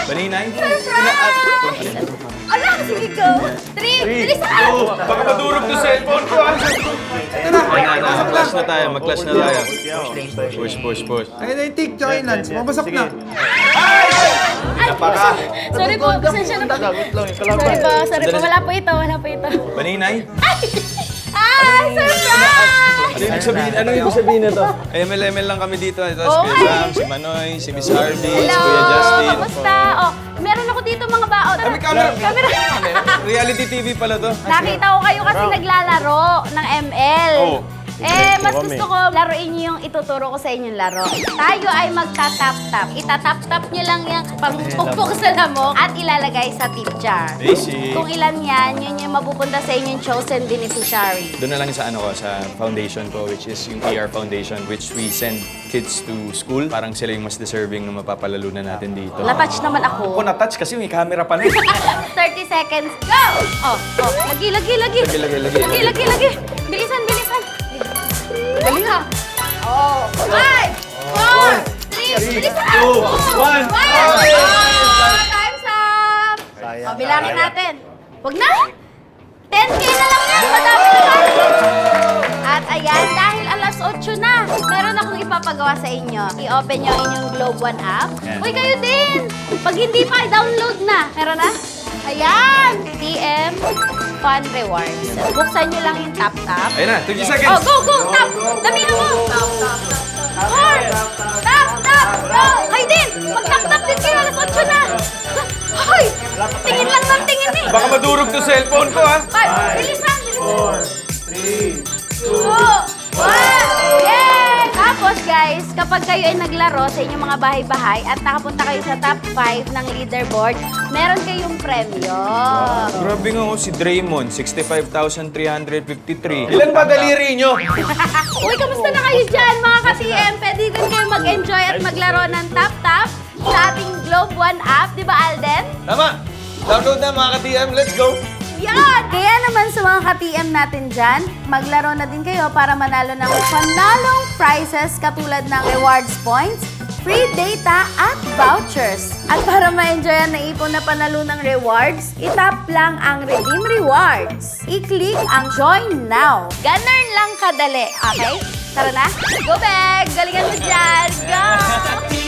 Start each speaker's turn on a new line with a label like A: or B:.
A: Baninay?
B: Ala, sige go. 3, bilisan!
A: Baka madurog to cellphone ko, ah.
C: Ito na.
A: Mag-clash na tayo, mag-clash na tayo. Push.
C: Ayun na yung tick, tsaka yung lunch. Mabasak na.
B: Sorry po, pasensya na po. Sorry po, wala po ito.
A: Baninay?
B: Surprise!
A: Ano ibig sabihin na to? ML lang kami dito. Ito, si Kuya Sam, si Manoy, si Miss Harvey, si
B: Hello,
A: Kuya Justin.
B: kamusta? Oh, meron ako dito mga baon.
A: May camera. Reality TV pala to.
B: Nakita ko kayo kasi naglalaro ng ML.
A: Oo.
B: Mas gusto ko laruin niyo yung ituturo ko sa inyong laro. Tayo ay magta-tap-tap. Itatap-tap niyo lang yung pangpukpok sa lamok at ilalagay sa tip jar.
A: Basic.
B: Kung ilan yan, yun yung mapupunta sa inyong chosen beneficiary.
A: Doon na lang sa ano ko, sa foundation ko, which is yung ER Foundation, which we send kids to school. Parang sila yung mas deserving na mapapalalo na natin dito.
B: Na-touch naman ako.
A: Ako na-touch kasi may camera pa na.
B: 30 seconds, go! Lagi.
A: Lagi.
B: Bilisan. Dali ha. 5, 4, 3, bilisan!
A: 2, 1.
B: Time's up! Bilangin natin. Huwag na! 10K na lang yan! Madami naman! At ayan, dahil alas 8 na, meron akong ipapagawa sa inyo. I-open nyo ang inyong Globe One app. Uy, kayo din! Pag hindi pa, i-download na. Meron na? Ayan! TM Fun Rewards. Buksan nyo lang yung tap-tap.
A: Ayun na, 20
B: Oh,
A: seconds.
B: go! Tap! Damihan mo! Tap! 4! Go! Kayo din! Mag-tap-tap din kayo, alas 8 na! Hoy! Tingin lang ng tingin eh!
A: Baka madurog to cellphone ko, ha?
B: 5, bilisan! 4, 3, 2, 1! Yay! Tapos guys, kapag kayo ay naglaro sa inyong mga bahay-bahay at nakapunta kayo sa top 5 ng leaderboard, meron kayong premyo.
A: Grabe nga si Draymond, 65,353. Ilan ba daliri nyo?
B: Uy, kamusta na kayo dyan mga ka-TM? Pwede din kayo mag-enjoy at maglaro ng tap-tap sa ating Globe One app. Di ba, Alden?
A: Tama! Download na mga ka-TM, let's go!
B: Yan! Kaya naman sa mga ka-TM natin dyan, maglaro na din kayo para manalo ng panalong prizes katulad ng rewards points, free data at vouchers. At para ma-enjoy ang naipon na panalo ng rewards, itap lang ang Redeem Rewards. I-click ang Join Now. Ganun lang kadali, okay? Tara na! Go, Beg! Galingan mo dyan! Go!